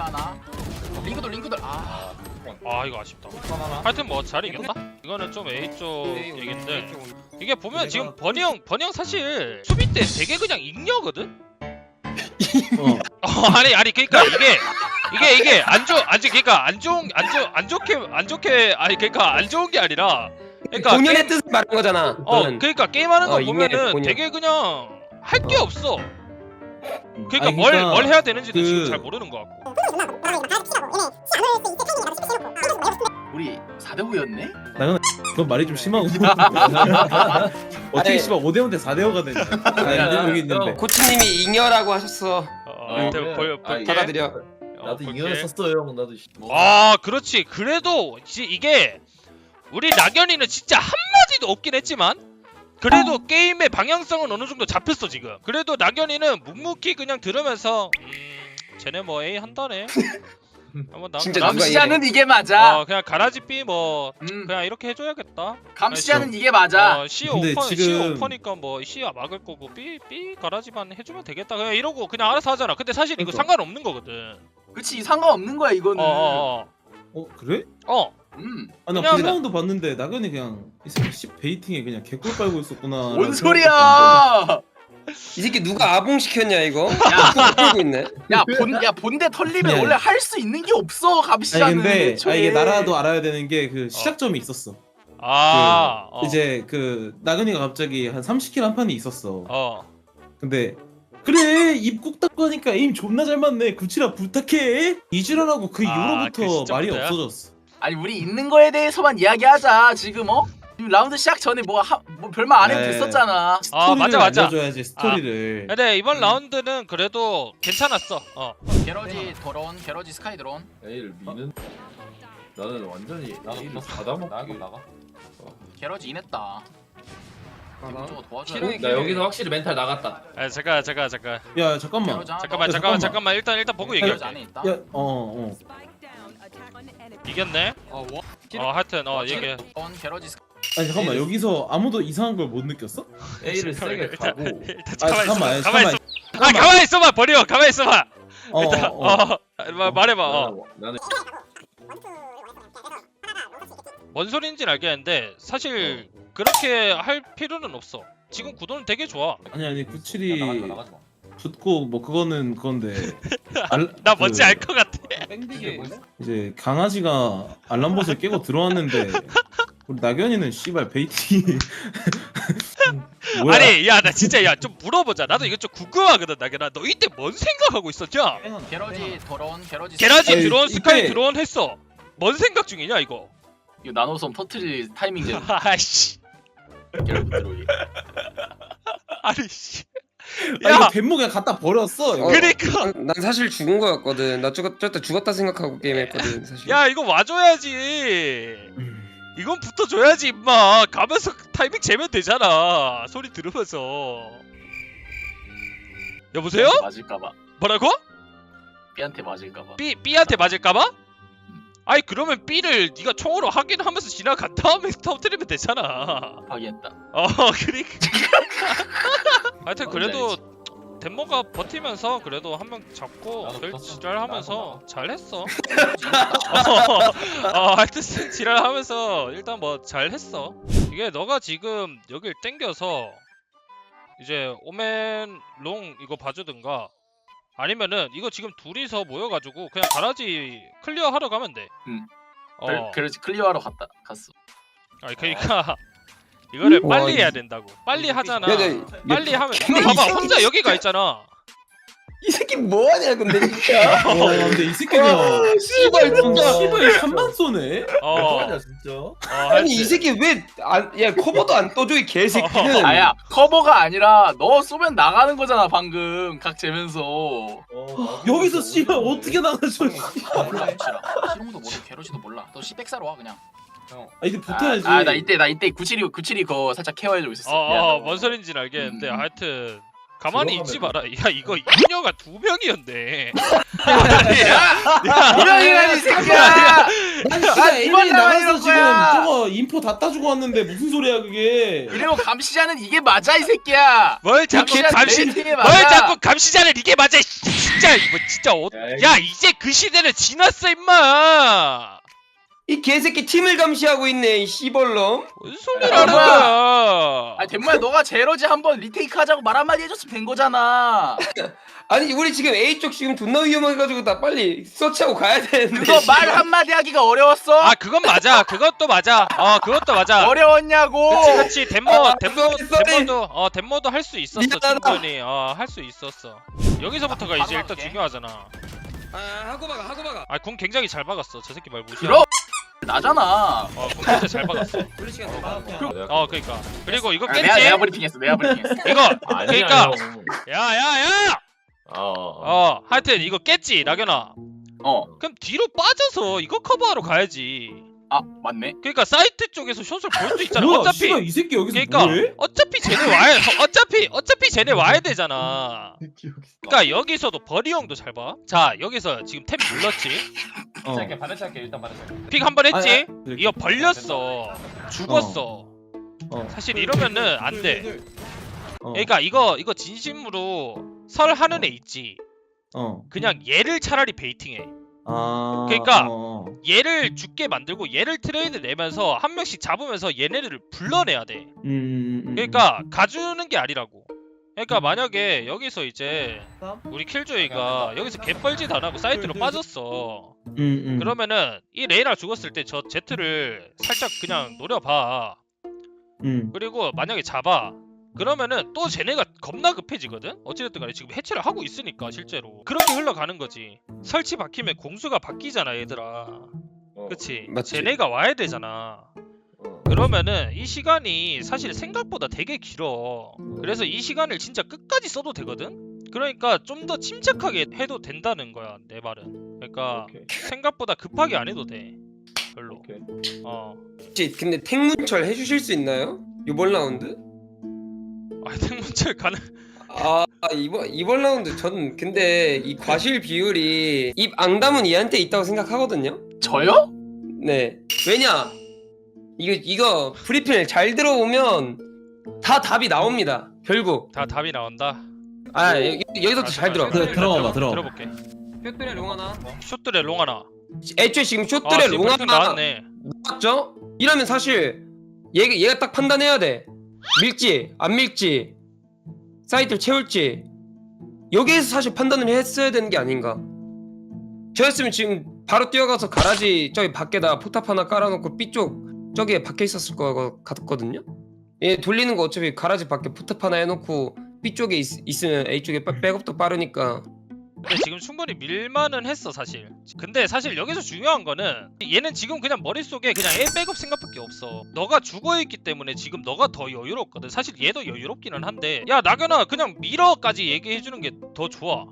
하나. 링크돌. 아 이거 아쉽다. 하여튼 뭐 잘 이겼다. 이거는 좀 A 쪽 얘긴데 이게 보면 지금 버니 형 사실 수비 때 되게 그냥 잉여거든. 아니 그러니까 이게 안 좋게 아니 그러니까 안 좋은 게 아니라 그러니까 본연의 뜻을 말한 거잖아. 그러니까 게임하는 거 잉여의 보면은 본연. 되게 그냥 할 게 없어. 그러니까 아니, 뭘 해야 되는지도 그- 지금 잘 모르는 것 같고. 우리 4대5였네? 그건 말이 좀 심하고 어떻게 아니, 씨발 5대5 대 4대5가 되냐. 아니 여기 있는데 코치님이 잉여라고 하셨어. 받아들여. 나도 이겨를 썼어요 형. 나도 그렇지. 그래도 이게 우리 낙연이는 진짜 한마디도 없긴 했지만 그래도 게임의 방향성은 어느 정도 잡혔어 지금. 그래도 낙연이는 묵묵히 그냥 들으면서 쟤네 뭐 A 한다네. 한번 나 진짜 감시자는 이게 맞아. 그냥 가라지 B 뭐 그냥 이렇게 해줘야겠다. 감시자는 이게 맞아. C 근데 오퍼 지금- C 오퍼니까 뭐 C야 막을 거고 B 가라지만 해주면 되겠다. 그냥 이러고 그냥 알아서 하잖아. 근데 사실 이거 그러니까. 상관없는 거거든. 그치 상관없는 거야 이거는. 그래? 아나 그냥- 프라운드 봤는데 낙연이 그냥 이 새끼 씨 베이팅에 그냥 개꿀 빨고 있었구나. 뭔 소리야? 이 새끼 누가 아봉 시켰냐 이거? 야, 끌고 있네. 본대 털리면 아니, 원래 할 수 있는 게 없어 감시자는. 아니 근데 애초에. 이게 나라도 알아야 되는 게 그 시작점이 있었어. 이제 그 낙연이가 갑자기 한 30킬 한 판이 있었어. 근데 그래 입국 닦고 하니까 에임 존나 잘 맞네. 구치라 부탁해. 이지랄하고 그 그 이후로부터 말이 시점부터야? 없어졌어. 아니 우리 있는 거에 대해서만 이야기하자 지금 지금 라운드 시작 전에 뭐 별말 안 해도 네. 됐었잖아. 스토리를 맞아. 알려줘야지 스토리를. 근데 이번 라운드는 그래도 괜찮았어. 게러지 드론, 게러지 스카이 드론. A를 미는. 나는 완전히 A를 받아먹기. 게러지 인했다. 이쪽으로 도와줘야 싫어. 돼. 나 여기서 확실히 멘탈 나갔다. 잠깐. 야 잠깐만. 게러지 하나 잠깐만. 일단 보고 얘기해. 게러지 안에 있다. 야 이겼네. 하여튼 얘기해. 게러지 스카이. 아니 잠깐만 여기서 아무도 이상한 걸 못 느꼈어? A를 세게 가고. 일단 잠깐만. 가만히 있어봐. 버려. 가만히 있어봐. 말해봐. 나는 뭔 소리인지는 알겠는데 사실 그렇게 할 필요는 없어. 지금 구도는 되게 좋아. 아니 구칠이 붙고 뭐 그거는 그건데. 나 뭔지 알 것 같아. 이제 강아지가 알람봇을 깨고 들어왔는데 우리 낙연이는 씨발 베이팅이 뭐야? 아니 나 진짜 좀 물어보자. 나도 이거 좀 궁금하거든. 나게나 너 이때 뭔 생각하고 있었냐? 게러지 드론, 게러지 게라지 아니, 드론 스카이 이때- 드론 했어. 뭔 생각 중이냐 이거? 이거 나노섬 터트릴 타이밍 제 아이씨. 게러지 드론이. 아니 씨. 야, 이거 야 뱀목 그냥 갖다 버렸어. 이거. 그러니까 난 사실 죽은 거였거든. 나 저때 죽었다 생각하고 게임했거든 사실. 야 이거 와줘야지. 이건 붙어줘야지 임마. 가면서 타이밍 재면 되잖아. 소리 들으면서. 여보세요? 맞을까봐. 뭐라고? B한테 맞을까봐. B한테 맞을까봐? 아니 그러면 B를 네가 총으로 확인하면서 지나간 다음에 터뜨리면 되잖아. 확인했다. 그러니까. 하여튼 그래도 덴모가 버티면서 그래도 한 명 잡고 지랄하면서 잘했어. 하여튼 지랄하면서 일단 뭐 잘했어. 이게 너가 지금 여길 땡겨서 이제 오멘 롱 이거 봐주든가 아니면은 이거 지금 둘이서 모여가지고 그냥 가라지 클리어 하러 가면 돼. 그래서 클리어하러 갔어. 아니 그러니까 이거를 와, 빨리 해야 된다고. 빨리 하잖아. 야, 빨리 하면 이거 봐봐 혼자 여기가 있잖아. 이 새끼 뭐하냐 근데 진짜. 근데 이 새끼가 씨발 진짜. 씨발 3만 쏘네. 뭐하냐 진짜. 아니 이 새끼 야 커버도 안 떠줘 이 개새끼는. 아야 커버가 아니라 너 쏘면 나가는 거잖아 방금 각 재면서. 여기서 씨발 어떻게 나가죠? 몰라 시롱도 모르 게러지도 몰라. 너 시백사로 와 그냥. 이제 붙어야지. 나 이때 구칠이 그거 살짝 케어해주고 있었어. 뭔 소린지는 알겠는데 음. 하여튼 가만히 있지 마라. 야 이거 인녀가 2명이었네. 이명이라니 이 새끼야. 난 진짜 아, 이번 애들이 나만 나가서 이럴 지금 거야. 저거 인포 다 따주고 왔는데 무슨 소리야 그게? 그리고 감시자는 이게 맞아 이 새끼야. 뭘 자꾸 감시 레이팅에 뭘 맞아. 자꾸 감시자를 이게 맞아. 진짜 이거 진짜 야 이제 그 시대는 지났어 임마. 이 개새끼 팀을 감시하고 있네 이 씨벌놈. 뭔 소리라는 뭐야. 거야. 아 덴모야 너가 제로지 한번 리테이크 하자고 말 한마디 해줬으면 된 거잖아. 아니 우리 지금 A쪽 지금 존나 위험해가지고 나 빨리 서치하고 가야 되는데. 그거 말 한마디 하기가 어려웠어? 아 그건 맞아. 그것도 맞아. 그것도 맞아. 어려웠냐고. 그치 덴모도 할 수 있었어. 미안하다. 충분히 할 수 있었어. 여기서부터가 이제 일단 중요하잖아. 하고 박아. 궁 굉장히 잘 박았어. 저 새끼 말 무시야. 그럼 나잖아. 궁 진짜 잘 박았어. 우리 시간 더 그러니까. 그리고 이거 아, 깼지? 내가 브리핑했어. 이거 아니야 그러니까 형. 야야야. 하여튼 이거 깼지 낙연아. 그럼 뒤로 빠져서 이거 커버하러 가야지. 아 맞네. 그러니까 사이트 쪽에서 숏을 볼 수 있잖아. 뭐야? 어차피 씨발 이 새끼 여기서 그러니까 뭐해? 어차피 쟤네 와야 되잖아. 그러니까 여기서도 버리 형도 잘 봐. 자 여기서 지금 탭 눌렀지. 시작해 반대치 할게 일단 반대치. 픽 한 번 했지. 아니, 이거 벌렸어. 죽었어. 사실 이러면은 안 돼. 그러니까 이거 진심으로 설 하는 애 있지. 그냥 얘를 차라리 베이팅해. 그러니까 얘를 죽게 만들고 얘를 트레이드 내면서 한 명씩 잡으면서 얘네를 불러내야 돼. 그러니까 가주는 게 아니라고. 그러니까 만약에 여기서 이제 우리 킬조이가 여기서 개뻘짓 안 하고 사이트로 빠졌어. 그러면은 이 레이나 죽었을 때 저 제트를 살짝 그냥 노려봐. 그리고 만약에 잡아. 그러면은 또 쟤네가 겁나 급해지거든? 어찌됐든 간에 지금 해체를 하고 있으니까 실제로 그렇게 흘러가는 거지. 설치 박히면 공수가 바뀌잖아 얘들아. 그치? 맞지. 쟤네가 와야 되잖아. 그러면은 이 시간이 사실 생각보다 되게 길어. 그래서 이 시간을 진짜 끝까지 써도 되거든? 그러니까 좀 더 침착하게 해도 된다는 거야 내 말은. 그러니까 생각보다 급하게 안 해도 돼. 별로. 혹시 근데 탱문철 해주실 수 있나요? 이번 라운드? 탱문철 가능. 이번 라운드 전 근데 이 과실 비율이 입 앙담은 얘한테 있다고 생각하거든요. 저요? 네. 왜냐? 이거 브리핑을 잘 들어오면 다 답이 나옵니다. 결국. 다 답이 나온다. 여기서부터 잘 들어. 들어봐. 들어볼게. 숏들의 롱 하나. 숏들의 롱 하나. 애초에 지금 숏들의 롱 하나 나왔네. 나왔죠? 이러면 사실 얘가 딱 판단해야 돼. 밀지 안 밀지 사이트를 채울지 여기에서 사실 판단을 했어야 되는 게 아닌가. 저였으면 지금 바로 뛰어가서 가라지 저기 밖에다 포탑 하나 깔아놓고 B쪽 저기에 박혀 있었을 거 같거든요. 얘 돌리는 거 어차피 가라지 밖에 포탑 하나 해놓고 B쪽에 있으면 A쪽에 백업도 빠르니까. 근데 지금 충분히 밀만은 했어 사실. 근데 사실 여기서 중요한 거는 얘는 지금 그냥 머릿속에 그냥 A 백업 생각밖에 없어. 너가 죽어있기 때문에 지금 너가 더 여유롭거든. 사실 얘도 여유롭기는 한데 야 낙연아 그냥 밀어까지 얘기해주는 게 더 좋아.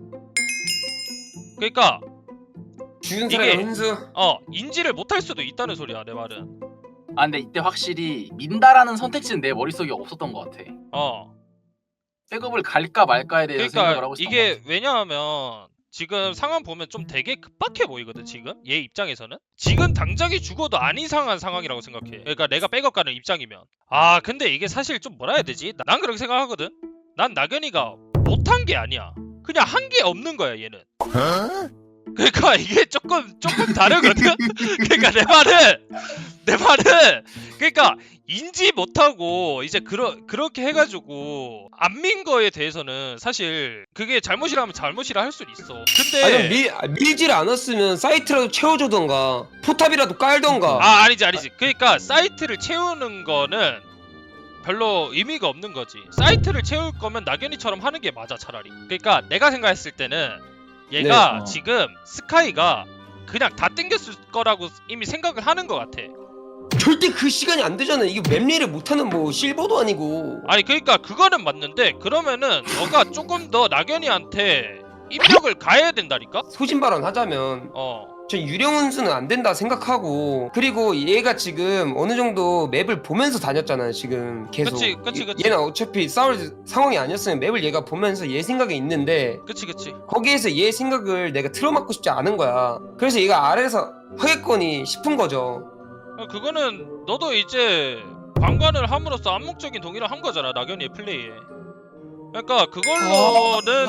그러니까 죽은 이게- 사람의 훈수. 인지를 못할 수도 있다는 소리야 내 말은. 아 근데 이때 확실히 민다라는 선택지는 내 머릿속에 없었던 것 같아. 백업을 갈까 말까에 대해서 생각을 그러니까 하고 있었던 것 이게 같아. 왜냐하면 지금 상황 보면 좀 되게 급박해 보이거든 지금 얘 입장에서는. 지금 당장이 죽어도 안 이상한 상황이라고 생각해. 그러니까 내가 백업 가는 입장이면. 근데 이게 사실 좀 뭐라 해야 되지? 난 그렇게 생각하거든. 난 낙연이가 못한 게 아니야. 그냥 한 게 없는 거야 얘는. 그러니까 이게 조금 다르거든. 그러니까 내 말은 그러니까 인지 못하고 이제 그렇게 해가지고 안 민 거에 대해서는 사실 그게 잘못이라면 잘못이라 할 수는 있어. 근데 밀질 않았으면 사이트라도 채워주던가 포탑이라도 깔던가. 아니지. 그러니까 사이트를 채우는 거는 별로 의미가 없는 거지. 사이트를 채울 거면 낙연이처럼 하는 게 맞아 차라리. 그러니까 내가 생각했을 때는 얘가 지금 스카이가 그냥 다 땡겼을 거라고 이미 생각을 하는 것 같아. 절대 그 시간이 안 되잖아. 이게 맵리를 못하는 뭐 실버도 아니고. 아니 그러니까 그거는 맞는데 그러면은 너가 조금 더 낙연이한테 입력을 가해야 된다니까? 소신 발언 하자면 전 유령운수는 안 된다 생각하고 그리고 얘가 지금 어느 정도 맵을 보면서 다녔잖아요 지금 계속. 그치. 얘는 어차피 싸울 상황이 아니었으면 맵을 얘가 보면서 얘 생각이 있는데 그치. 거기에서 얘 생각을 내가 틀어막고 싶지 않은 거야. 그래서 얘가 아래에서 하겠거니 싶은 거죠. 그거는 너도 이제 방관을 함으로써 암묵적인 동의를 한 거잖아 낙연이의 플레이에. 그러니까 그걸로는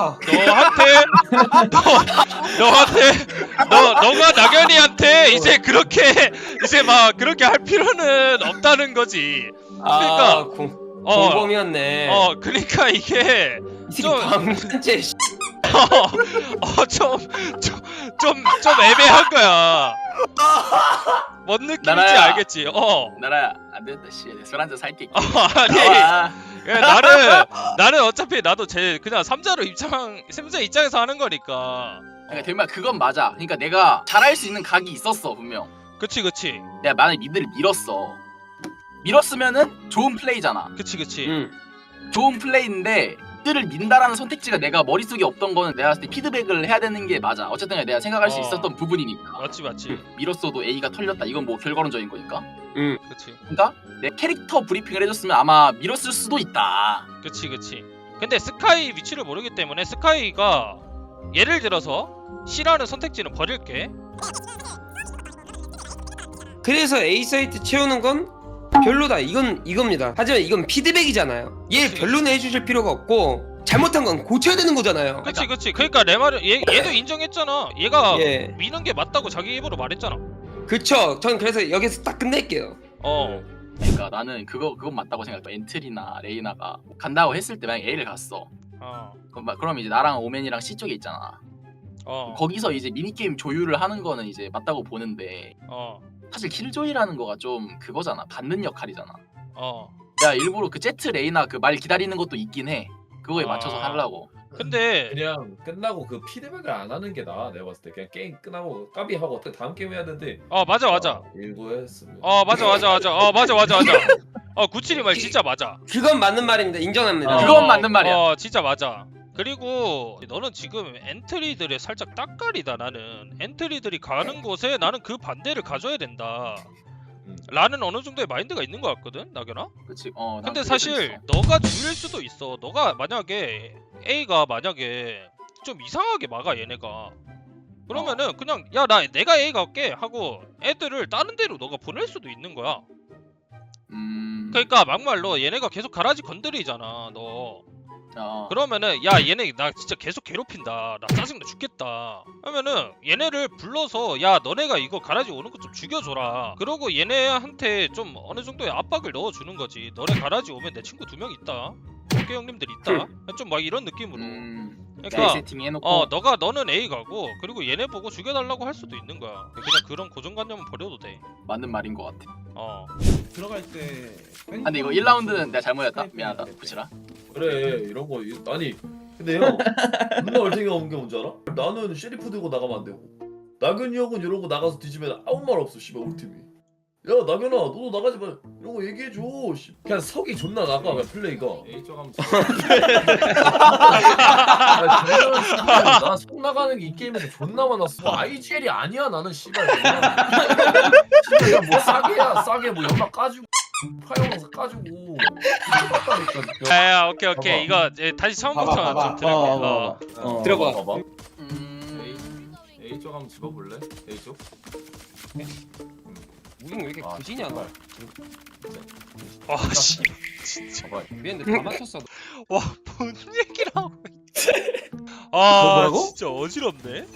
너가 낙연이한테 이제 그렇게 이제 막 그렇게 할 필요는 없다는 거지. 그러니까 공범이었네. 그러니까 이게 이 새끼 방관죄. 좀 애매한 거야. 뭔 느낌인지 나라야. 알겠지? 나라야 안 된다 씨. 술 한잔 살게. 아니 나는 어차피 나도 그냥 삼자 입장에서 하는 거니까. 그러니까 대마 그건 맞아. 그러니까 내가 잘할 수 있는 각이 있었어 분명. 그치. 내가 만약 미드를 밀었으면은 좋은 플레이잖아. 그치. 좋은 플레이인데 미드를 민다라는 선택지가 내가 머릿속에 없던 거는 내가 봤을 때 피드백을 해야 되는 게 맞아. 어쨌든 내가 생각할 수 있었던 부분이니까. 맞지. 밀었어도 A가 털렸다. 이건 뭐 결과론적인 거니까. 그치. 그러니까 내 캐릭터 브리핑을 해줬으면 아마 밀었을 수도 있다. 그치. 근데 스카이 위치를 모르기 때문에 스카이가 예를 들어서 C라는 선택지는 버릴게. 그래서 A 사이트 채우는 건 별로다. 이겁니다. 하지만 이건 피드백이잖아요. 얘 별로는 해주실 필요가 없고 잘못한 건 고쳐야 되는 거잖아요. 그치. 그러니까 내 말은 얘도 인정했잖아. 얘가 예. 미는 게 맞다고 자기 입으로 말했잖아. 그쵸. 전 그래서 여기서 딱 끝낼게요. 그러니까 나는 그건 맞다고 생각해. 엔트리나 레이나가 간다고 했을 때 만약 A를 갔어. 그럼 이제 나랑 오맨이랑 C 쪽에 있잖아. 거기서 이제 미니게임 조율을 하는 거는 이제 맞다고 보는데 사실 킬조이라는 거가 좀 그거잖아. 받는 역할이잖아. 내가 일부러 그 제트 레이나 그 말 기다리는 것도 있긴 해. 그거에 맞춰서 하려고. 근데 그냥 끝나고 그 피드백을 안 하는 게 나아. 내가 봤을 때 그냥 게임 끝나고 까비하고 다음 게임 해야 되는데. 맞아. 일부 했으면. 맞아. 구칠이 말 진짜 맞아. 그건 맞는 말입니다. 인정합니다. 그건 맞는 말이야. 진짜 맞아. 그리고 너는 지금 엔트리들의 살짝 딱깔이다. 나는 엔트리들이 가는 곳에 나는 그 반대를 가져야 된다 라는 어느 정도의 마인드가 있는 것 같거든 낙연아? 그치. 근데 사실 너가 줄일 수도 있어. 너가 만약에 A가 만약에 좀 이상하게 막아 얘네가 그러면은 그냥 야 내가 A 갈게 하고 애들을 다른 데로 너가 보낼 수도 있는 거야. 그러니까 막말로 얘네가 계속 가라지 건드리잖아 너. 그러면은 야 얘네 나 진짜 계속 괴롭힌다. 나 짜증나 죽겠다. 하면은 얘네를 불러서 야 너네가 이거 가라지 오는 거 좀 죽여줘라. 그러고 얘네한테 좀 어느 정도의 압박을 넣어주는 거지. 너네 가라지 오면 내 친구 2명 있다. 어깨 형님들 있다. 좀 막 이런 느낌으로. 그러니까 세팅 해놓고. 너는 A 가고 그리고 얘네 보고 죽여달라고 할 수도 있는 거야. 그냥 그런 고정관념은 버려도 돼. 맞는 말인 것 같아. 들어갈 때. 근데 이거 1라운드는 내가 잘못했다. 미안하다. 구치라. 그래 이런 거 아니 근데 형 존나 얼탱이가 온 게 뭔지 알아? 나는 쉐리프 들고 나가면 안 되고 나균이 형은 이러고 나가서 뒤지면 아무 말 없어 씨발 우리 팀이. 야 나균아 너도 나가지 마 이런 거 얘기해줘. 그냥 석이 존나 나가 그냥 플레이가. A쪽 하면 나석 나가는 게 이 게임에서 존나 많았어. IGL이 아니야 나는 씨발. 씨발 뭐 싸게 뭐 연막 까주고 파이어망사 까주고. 야 오케이 이거 다시 처음부터 좀 들을게. 들어봐. A쪽 한번 집어볼래? A쪽? 우린 왜 이렇게 그지냐 너. 씨 진짜 미안한데 다 맞췄어. 뭔 얘기를 하고 뭐라고? 진짜 어지럽네.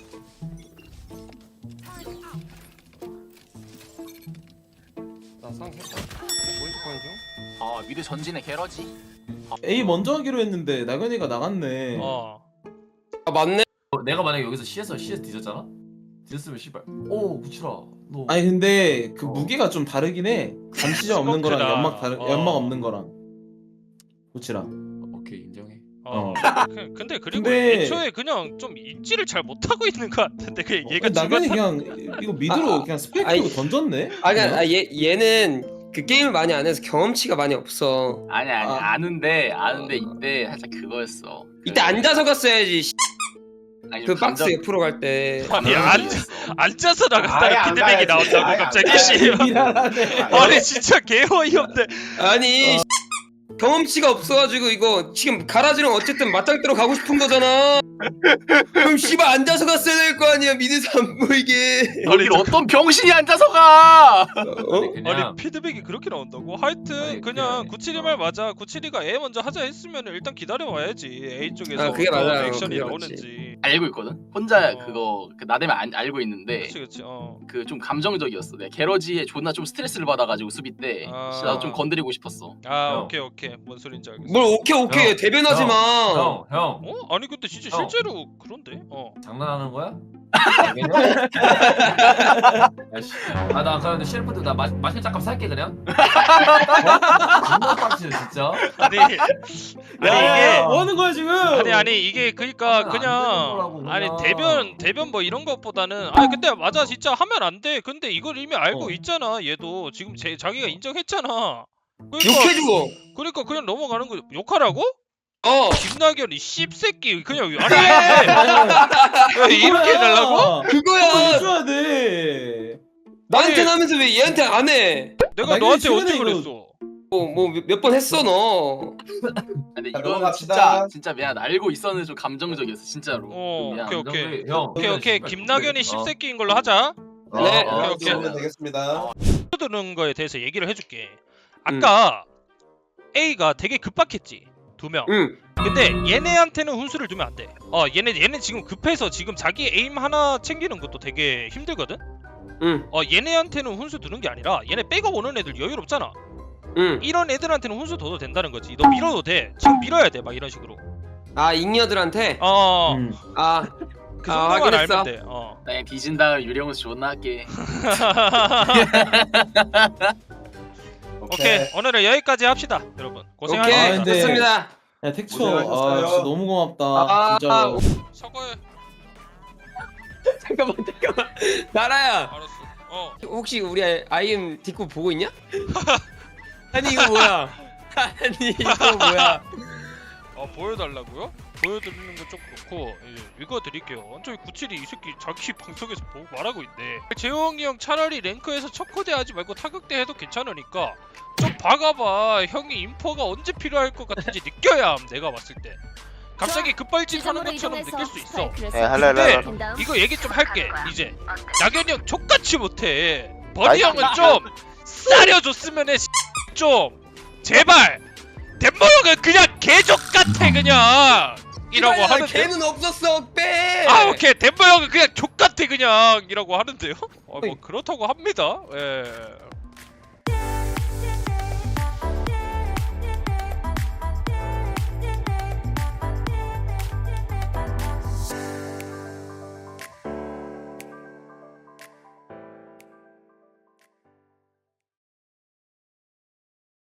나 상했다. 포인트 중. 미드 전진의 게러지. A 먼저 하기로 했는데 나근이가 나갔네. 맞네. 내가 만약에 여기서 CS 뒤졌잖아? 뒤졌으면 씨발 구치라 너 아니 근데 그 무게가 좀 다르긴 해. 감시자 없는 거랑 연막 없는 거랑. 그치랑. 오케이 인정해. 근데 근데- 애초에 그냥 좀 입지를 잘 못하고 있는 것 같은데 그 얘가 나근이 그냥 이거 미드로 그냥 스펙 아니, 끼고 던졌네. 그러니까 얘는 그 게임을 많이 안 해서 경험치가 많이 없어. 아는데 이때 살짝 그거였어. 이때 앉아서 갔어야지. 아니, 그 좀 박스 감정- 옆으로 갈 때. 아니 감정적이었어. 앉아서 아예 나간다는 안 피드백이 가야지. 나온다고 아예 안 갑자기 가야지. 씨. 미안하네. 아니 진짜 개 어이없네. 아니 경험치가 없어가지고 이거 지금 가라지랑 어쨌든 맞짱 뜨러 가고 싶은 거잖아. 그럼 씨발 앉아서 갔어야 될 거 아니야 미드에서 안 보이게. 여길 어떤 병신이 앉아서 가? 어? 아니 피드백이 그렇게 나온다고? 하여튼 아니, 그냥 그게 97이 말 맞아. 97이가 A 먼저 하자 했으면 일단 기다려봐야지. A 쪽에서 아, 그게 어떤 맞아요. 액션이 그게 나오는지. 알고 있거든. 혼자 어. 그거 그 나대면 알고 있는데 그치 그치. 그 좀 감정적이었어. 내가 게러지에 존나 좀 스트레스를 받아가지고 수비 때 아. 진짜 나도 좀 건드리고 싶었어. 아 형. 오케이 뭔 소린지 알겠어. 뭘 오케이 형, 대변하지 마. 형 어? 아니 근데 진짜 형. 실제로 그런데? 어. 장난하는 거야? 아나 그런데 셰프드 나 마실 잠깐 살게 그냥. 존나 빡치네 진짜. 아니 야, 이게 뭐 하는 거야 지금? 아니 이게 그러니까 하면 안 되는 거라고, 그냥 아니 그냥. 대변 뭐 이런 것보다는 아니 근데 맞아 진짜 하면 안 돼. 근데 이걸 이미 알고 어. 있잖아. 얘도 지금 자기가 인정했잖아. 그러니까 욕해주고. 그러니까 그냥 넘어가는 거 욕하라고? 어 김나결이 씹새끼 그냥 아니 왜 이렇게 해달라고? 그거야. 해줘야 돼. 나한테 아니, 하면서 왜 얘한테 안 해? 내가 아니, 너한테 최근에 언제 이거- 그랬어? 뭐 몇 번 했어 너. 근데 자, 이건 넘어갑시다. 진짜 미안. 알고 있었는데 좀 감정적이었어 진짜로. 어 미안. 오케이 형. 오케이 김나견이 씹새끼인 걸로 하자. 네. 오케이. 그러면 되겠습니다. 드는 거에 대해서 얘기를 해줄게. 아까 A가 되게 급박했지 2명. 응. 근데 얘네한테는 훈수를 두면 안 돼. 얘네 지금 급해서 지금 자기 에임 하나 챙기는 것도 되게 힘들거든. 응. 얘네한테는 훈수 두는 게 아니라 얘네 백업 오는 애들 여유롭잖아. 응. 이런 애들한테는 훈수 둬도 된다는 거지. 너 밀어도 돼. 지금 밀어야 돼. 막 이런 식으로. 아 잉여들한테. 아. 그 아, 정도만 확인했어. 알면 돼. 나 그냥 뒤진다 유령수 존나 할게. 오케이. 오늘은 여기까지 합시다, 여러분. 오케이 고생하셨습니다. 근데- 좋습니다. 야 택초, 고생하셨어요. 아 진짜 너무 고맙다. 아, 진짜. 사과해. 잠깐만. 나라야. 알았어. 혹시 우리 아이엠 뒷구 보고 있냐? 아니 이거 뭐야? 아니 이거 뭐야? 보여달라고요? 보여드리는 거 좀 그렇고 읽어드릴게요. 완전히 97이 이 새끼 자기 방송에서 보고 말하고 있네. 재홍이 형 차라리 랭크에서 척코대 하지 말고 타격대 해도 괜찮으니까 좀 박아봐. 형이 인포가 언제 필요할 것 같은지 느껴야 함, 내가 봤을 때. 갑자기 급발진 하는 것처럼 느낄 수 있어. 근데 이거 얘기 좀 할게. 이제 낙연이 형 족같이 못해. 버니 형은 좀 싸려줬으면 해. 좀 제발. 덴모 형은 그냥 개족 같아 그냥 이라고 하는데. 걔는 없었어 빼. 아 오케이 덴모 형은 그냥 족 같아 그냥 이라고 하는데요. 뭐 그렇다고 합니다. 예.